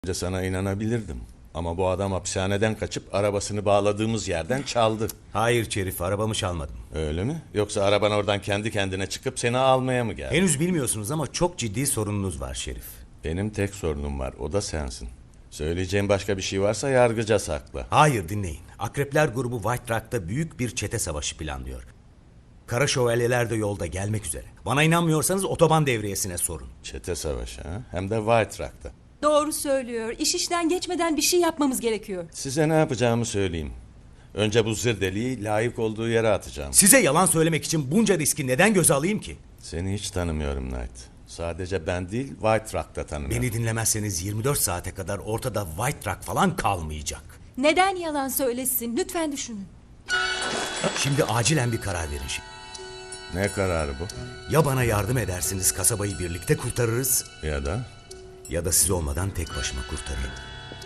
Önce sana inanabilirdim. Ama bu adam hapishaneden kaçıp arabasını bağladığımız yerden çaldı. Hayır Şerif, arabamı çalmadım. Öyle mi? Yoksa araban oradan kendi kendine çıkıp seni almaya mı geldi? Henüz bilmiyorsunuz ama çok ciddi sorununuz var Şerif. Benim tek sorunum var, o da sensin. Söyleyeceğim başka bir şey varsa yargıca sakla. Hayır, dinleyin. Akrepler grubu White Rock'ta büyük bir çete savaşı planlıyor. Kara şövalyeler de yolda gelmek üzere. Bana inanmıyorsanız otoban devriyesine sorun. Çete savaşı ha? Hem de White Rock'ta. Doğru söylüyor. İş işten geçmeden bir şey yapmamız gerekiyor. Size ne yapacağımı söyleyeyim. Önce bu zırdeliği layık olduğu yere atacağım. Size yalan söylemek için bunca riski neden göze alayım ki? Seni hiç tanımıyorum Knight. Sadece ben değil, White Rock'ta tanımıyorum. Beni dinlemezseniz 24 saate kadar ortada White Rock falan kalmayacak. Neden yalan söylesin? Lütfen düşünün. Şimdi acilen bir karar verin şimdi. Ne kararı bu? Ya bana yardım edersiniz, kasabayı birlikte kurtarırız, Ya da ya da siz olmadan tek başıma kurtarırım.